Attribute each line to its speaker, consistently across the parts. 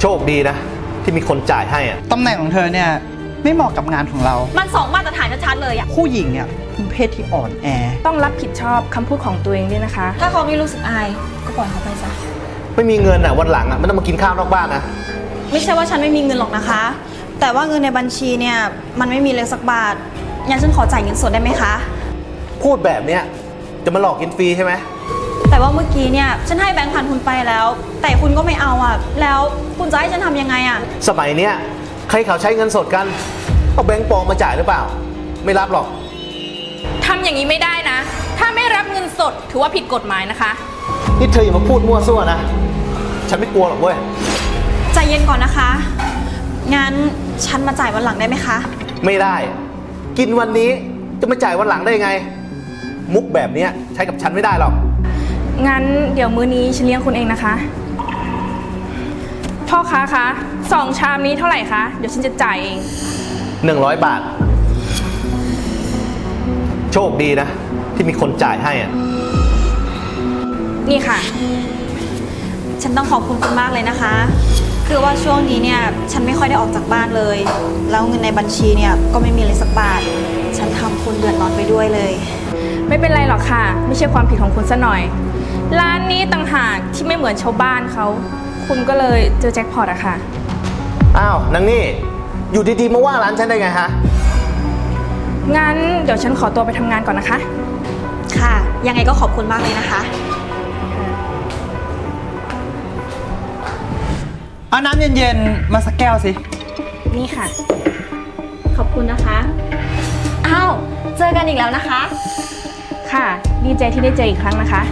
Speaker 1: ชคดีนะที่มีคนจ่ายให้อะ
Speaker 2: ตำแหน่งของเธอเนี่ยไม่เหมาะกับงานของเรา
Speaker 3: มันสองมาตรฐานชัดๆเลยอะ
Speaker 2: ผู้หญิงเนี่ยเป็นเพศที่อ่อนแอ
Speaker 4: ต้องรับผิดชอบคำพูดของตัวเองด้วยนะคะ
Speaker 3: ถ้าเขาไม่รู้สึกอายก็ปล่อยเขาไปซะ
Speaker 1: ไม่มีเงินอะวันหลังอะไม่ต้องมากินข้าวนอกบ้านนะ
Speaker 3: ไม่ใช่ว่าฉันไม่มีเงินหรอกนะคะ แต่ว่าเงินในบัญชีเนี่ยมันไม่มีเลยสักบาทงั้นฉันขอจ่ายเงินสดได้ไหมคะ
Speaker 1: พูดแบบเนี้ยจะมาหลอกกินฟรีใช่ไหม
Speaker 3: แต่ว่าเมื่อกี้เนี่ยฉันให้แบงค์พันคุณไปแล้ว แต่คุณก็ไม่เอาอะแล้วคุณจะให้ฉันทำยังไงอะ
Speaker 1: สมัยเนี้ยใครเขาใช้เงินสดกันเอาแบงค์ปลอมมาจ่ายหรือเปล่า ไม่รับหรอก
Speaker 4: ทำอย่างนี้ไม่ได้นะ ถ้าไม่รับเงินสดถือว่าผิดกฎหมายนะคะ
Speaker 1: นี่เธออย่ามาพูดมั่วซั่วนะ ฉันไม่กลัวหรอกเว้ย
Speaker 3: ใจเย็นก่อนนะคะ งั้นฉันมาจ่ายวันหลังได้ไหมคะ
Speaker 1: ไม่ได้ กินวันนี้จะมาจ่ายวันหลังได้ไง มุกแบบเนี้ยใช้กับฉันไม่ได้หรอก
Speaker 4: งั้นเดี๋ยวมื้อนี้ฉันเลี้ยงคุณเองนะคะ พ่อค้าคะ2 ชามนี้เท่าไหร่คะ เดี๋ยวฉันจะจ่ายเอง
Speaker 1: 100 บาท โชคดีนะที่มีคนจ่ายให้อะ
Speaker 4: นี่ค่ะ
Speaker 3: ฉันต้องขอบคุณคุณมากเลยนะคะ คือว่าช่วงนี้เนี่ยฉันไม่ค่อยได้ออกจากบ้านเลย แล้วเงินในบัญชีเนี่ยก็ไม่มีเลยสักบาท ฉันทำคุณเดือดร้อนไปด้วยเลย
Speaker 4: ไม่เป็นไรหรอกค่ะ ไม่ใช่ความผิดของคุณซะหน่อย ร้านนี้ต่างหากที่ไม่เหมือนชาวบ้านเขา คุณก็เลยเจอแจ็คพอตอะค่ะ
Speaker 1: อ้าวนางนี่อยู่ดีๆมาว่าร้านฉันได้ไงฮะ
Speaker 4: งั้นเดี๋ยวฉันขอตัวไปทำงานก่อนนะคะ
Speaker 3: ค่ะ ยังไงก็ขอบคุณมากเลยนะคะ
Speaker 2: เอาน้ำเย็นๆมาสักแก้วสิ
Speaker 4: นี่ค่ะ
Speaker 3: ขอบคุณนะคะ อ้าว เจอกันอีกแล้วนะคะ
Speaker 4: ค่ะ ดีใจที่ได้เจออีกครั้งนะคะ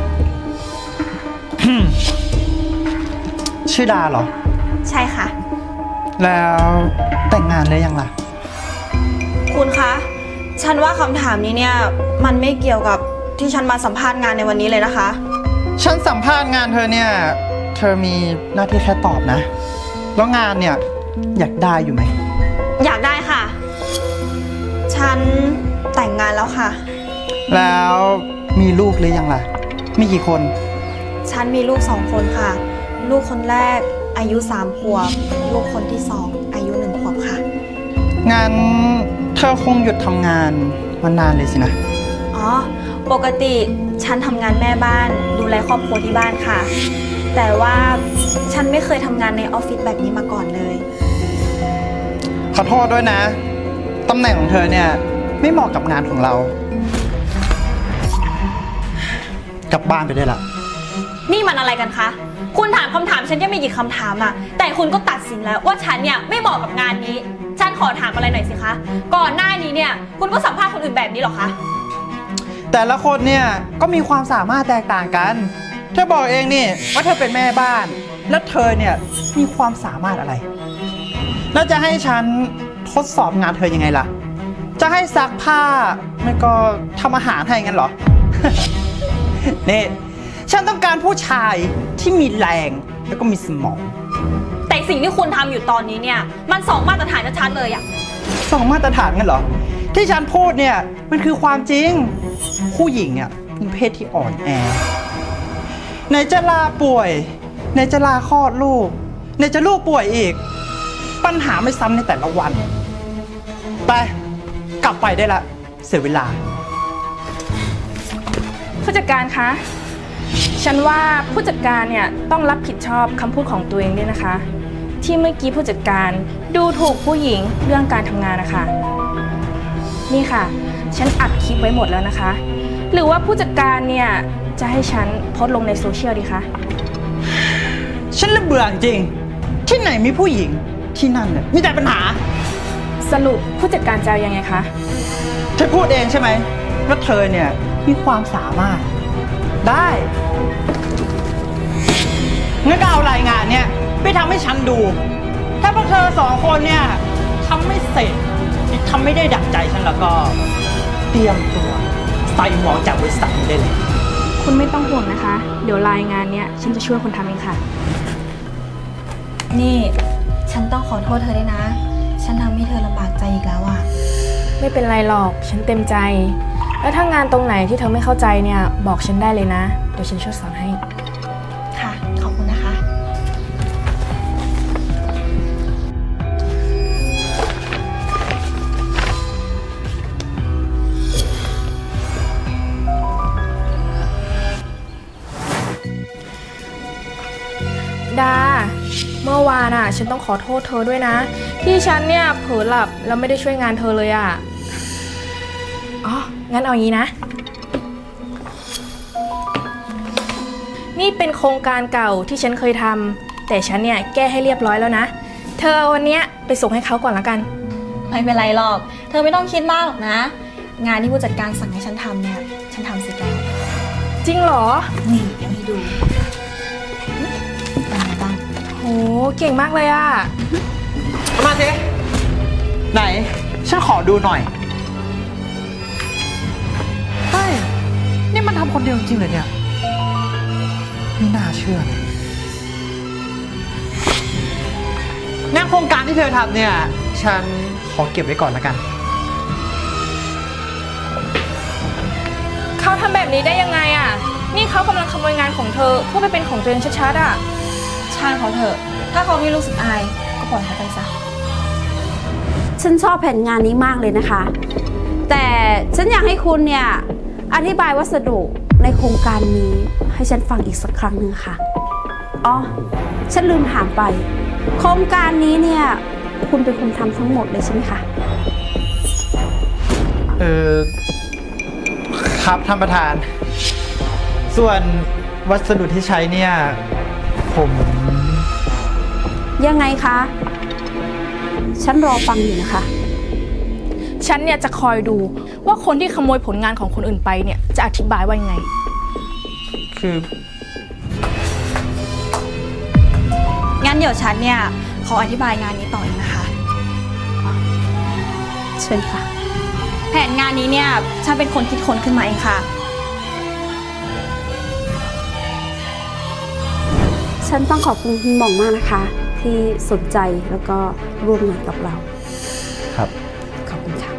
Speaker 2: ชื่อดาเหรอ
Speaker 3: ใช่ค่ะ
Speaker 2: แล้วแต่งงานเลยยังล่ะ
Speaker 3: คุณคะ ฉันว่าคำถามนี้เนี่ยมันไม่เกี่ยวกับที่ฉันมาสัมภาษณ์งานในวันนี้เลยนะคะ
Speaker 2: ฉันสัมภาษณ์งานเธอเนี่ย เธอมีหน้าที่แค่ตอบนะ แล้วงานเนี่ยอยากได้อยู่ไหม
Speaker 3: อยากได้ค่ะ ฉันแต่งงานแล้วค่ะ
Speaker 2: แล้วมีลูกหรือยังล่ะ มีกี่คน
Speaker 3: ฉันมีลูก2 คนค่ะ ลูกคนแรกอายุ3 ขวบ ลูกคนที่2อายุ1 ขวบค่ะ
Speaker 2: งั้นเธอคงหยุดทำงานมานานเลยสินะ
Speaker 3: อ๋อ ปกติฉันทำงานแม่บ้านดูแลครอบครัวที่บ้านค่ะ แต่ว่าฉันไม่เคยทำงานในออฟฟิศแบบนี้มาก่อนเลย
Speaker 2: ขอโทษด้วยนะ ตำแหน่งของเธอเนี่ยไม่เหมาะกับงานของเรา กลับบ้านไปได้ละ
Speaker 3: นี่มันอะไรกันคะ คุณถามคำถามฉันยังไม่กี่คำถามอะแต่คุณก็ตัดสินแล้วว่าฉันเนี่ยไม่เหมาะกับงานนี้ ฉันขอถามอะไรหน่อยสิคะ ก่อนหน้านี้เนี่ยคุณก็สัมภาษณ์คนอื่นแบบนี้เหรอคะ
Speaker 2: แต่ละคนเนี่ยก็มีความสามารถแตกต่างกัน เธอบอกเองนี่ว่าเธอเป็นแม่บ้าน แล้วเธอเนี่ยมีความสามารถอะไร แล้วจะให้ฉันทดสอบงานเธอยังไงล่ะ จะให้ซักผ้าไม่ก็ทำอาหารให้งั้นเหรอ นี่ฉันต้องการผู้ชายที่มีแรงแล้วก็มีสมอง
Speaker 3: แต่สิ่งที่คุณทำอยู่ตอนนี้เนี่ยมันสองมาตรฐานชัดๆเลยอะ
Speaker 2: สองมาตรฐานงั้นเหรอ ที่ฉันพูดเนี่ยมันคือความจริง ผู้หญิงเนี่ยเป็นเพศที่อ่อนแอไหนจะลาป่วยไหนจะลาคลอดลูกไหนจะลูกป่วยอีก ปัญหาไม่ซ้ำในแต่ละวัน ไปกลับไปได้ละเสียเวลา
Speaker 4: ผู้จัดการคะ ฉันว่าผู้จัดการเนี่ยต้องรับผิดชอบคำพูดของตัวเองด้วยนะคะ ที่เมื่อกี้ผู้จัดการดูถูกผู้หญิงเรื่องการทำงานนะคะ นี่ค่ะ ฉันอัดคลิปไว้หมดแล้วนะคะ หรือว่าผู้จัดการเนี่ยจะให้ฉันโพสต์ลงในโซเชียลดีคะ
Speaker 2: ฉันละเบื่อจริง ที่ไหนมีผู้หญิงที่นั่นเนี่ยมีแต่ปัญหา
Speaker 4: สรุปผู้จัดการจะเอายังไงคะ
Speaker 2: เธอพูดเองใช่ไหมว่าเธอเนี่ยมีความสามารถได้งั้นก็เอารายงานเนี่ยไปทำให้ฉันดู ถ้าพวกเธอ2 คนเนี่ยทำไม่เสร็จทำไม่ได้ดั่งใจฉันแล้วก็เตรียมตัวใส่หมอจากบริษัทนี้ได้เลย
Speaker 4: คุณไม่ต้องห่วงนะคะ เดี๋ยวรายงานเนี่ยฉันจะช่วยคุณทำเองค่ะ
Speaker 3: นี่ฉันต้องขอโทษเธอด้วยนะ ฉันทำให้เธอลำบากใจอีกแล้วอะ
Speaker 4: ไม่เป็นไรหรอก ฉันเต็มใจ แล้วถ้างานตรงไหนที่เธอไม่เข้าใจเนี่ยบอกฉันได้เลยนะ เดี๋ยวฉันช่วยสอนให้
Speaker 3: ค่ะ ขอบคุณนะคะ
Speaker 4: เมื่อวานอ่ะ ฉันต้องขอโทษเธอด้วยนะ ที่ฉันเนี่ยเผลอหลับแล้วไม่ได้ช่วยงานเธอเลยอ่ะ อ๋อ งั้นเอางี้นะ นี่เป็นโครงการเก่าที่ฉันเคยทำแต่ฉันเนี่ยแก้ให้เรียบร้อยแล้วนะ เธอเอาวันเนี้ยไปส่งให้เขาก่อนละกัน
Speaker 3: ไม่เป็นไรหรอก เธอไม่ต้องคิดมากหรอกนะ งานที่ผู้จัดการสั่งให้ฉันทำเนี่ย ฉันทำเสร็จแล้ว
Speaker 4: จริงเหรอ
Speaker 3: นี่เดี๋ยวให้ดูเป็นไงบ้าง
Speaker 4: โห เก่งมากเลยอ่ะ
Speaker 2: เอามาสิไหน ฉันขอดูหน่อยเฮ้ยนี่มันทำคนเดียวจริงๆเลยเนี่ยไม่น่าเชื่อเลยงานโครงการที่เธอทำเนี่ย ฉันขอเก็บไว้ก่อนละกัน
Speaker 4: เขาทำแบบนี้ได้ยังไงอ่ะ นี่เขากำลังขโมยงานของเธอเพื่อไปเป็นของตัวเองชัดๆอ่ะ
Speaker 3: ช่างเขาเถอะ ถ้าเขาไม่รู้สึกอาย ก็ปล่อยเขาไปซะ
Speaker 5: ฉันชอบแผนงานนี้มากเลยนะคะ แต่ฉันอยากให้คุณเนี่ยอธิบายวัสดุในโครงการนี้ให้ฉันฟังอีกสักครั้งหนึ่งค่ะ อ๋อ ฉันลืมถามไป โครงการนี้เนี่ยคุณเป็นคนทำทั้งหมดเลยใช่ไหมคะ
Speaker 2: ครับท่านประธาน ส่วนวัสดุที่ใช้เนี่ย ผม
Speaker 5: ยังไงคะ ฉันรอฟังอยู่นะคะ
Speaker 4: ฉันเนี่ยจะคอยดูว่าคนที่ขโมยผลงานของคนอื่นไปเนี่ยจะอธิบายว่ายังไง
Speaker 2: คือ
Speaker 3: งั้นเดี๋ยวฉันเนี่ยขออธิบายงานนี้ต่ออีกนะคะ
Speaker 5: เชิญค่ะ
Speaker 3: แผนงานนี้เนี่ยฉันเป็นคนคิดค้นขึ้นมาเองค่ะ
Speaker 5: ฉันต้องขอบคุณคุณหม่องมากนะคะ ที่สนใจแล้วก็ร่วมงานกับเรา
Speaker 1: ครับ
Speaker 5: ขอบคุณค่ะ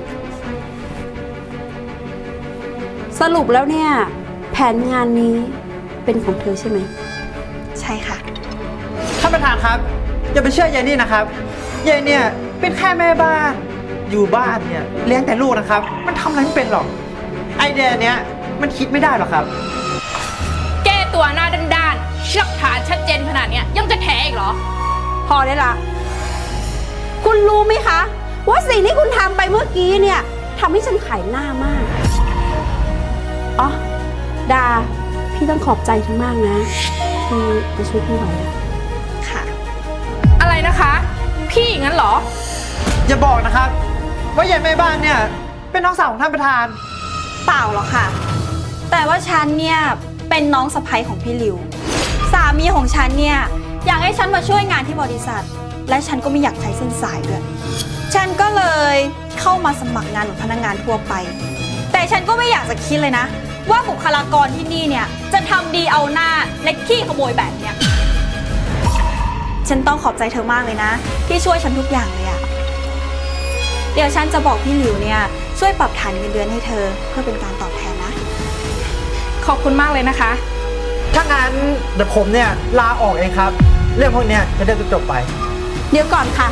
Speaker 5: สรุปแล้วเนี่ยแผนงานนี้เป็นของเธอใช่ไหม
Speaker 3: ใช่ค่ะ
Speaker 2: ท่านประธานครับ อย่าไปเชื่อยายนี่นะครับยายเนี่ยเป็นแค่แม่บ้านอยู่บ้านเนี่ยเลี้ยงแต่ลูกนะครับ มันทำอะไรไม่เป็นหรอก ไอเดียเนี้ยมันคิดไม่ได้หรอกครับ
Speaker 4: แก้ตัวหน้าด้านๆหลักฐานชัดเจนขนาดเนี้ยยังจะแถอีกเหรอ
Speaker 5: พอได้ละ คุณรู้ไหมคะ ว่าสิ่งที่คุณทำไปเมื่อกี้เนี่ยทำให้ฉันขายหน้ามาก อ๋อ ดา พี่ต้องขอบใจเธอมากนะ ที่มาช่วยพี่ไว้อะ
Speaker 3: ค่ะ
Speaker 4: อะไรนะคะ พี่งั้นเหรอ
Speaker 2: อย่าบอกนะครับ ว่ายายแม่บ้านเนี่ยเป็นน้องสาวของท่านประธาน
Speaker 3: เปล่าหรอกค่ะ แต่ว่าฉันเนี่ยเป็นน้องสะใภ้ของพี่ลิว สามีของฉันเนี่ยอยากให้ฉันมาช่วยงานที่บริษัท และฉันก็ไม่อยากใช้เส้นสายด้วย ฉันก็เลยเข้ามาสมัครงานเหมือนพนักงานทั่วไป แต่ฉันก็ไม่อยากจะคิดเลยนะ ว่าบุคลากรที่นี่เนี่ยจะทำดีเอาหน้าและขี้ขโมยแบบเนี้ย ฉันต้องขอบใจเธอมากเลยนะ ที่ช่วยฉันทุกอย่างเลยอะเดี๋ยวฉันจะบอกพี่หลิวเนี่ยช่วยปรับฐานเงินเดือนให้เธอเพื่อเป็นการตอบแทนนะ
Speaker 4: ขอบคุณมากเลยนะคะ
Speaker 2: ถ้างั้นเดี๋ยวผมเนี่ยลาออกเองครับ เรื่องพวกเนี้ยจะได้จบไป
Speaker 5: เดี๋ยวก่อนค่ะ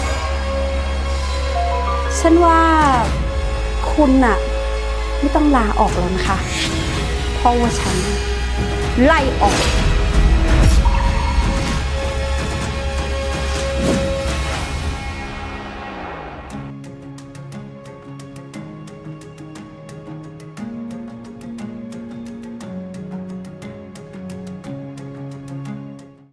Speaker 5: ฉันว่าคุณน่ะไม่ต้องลาออกแล้วนะคะ เพราะว่าฉันไล่ออก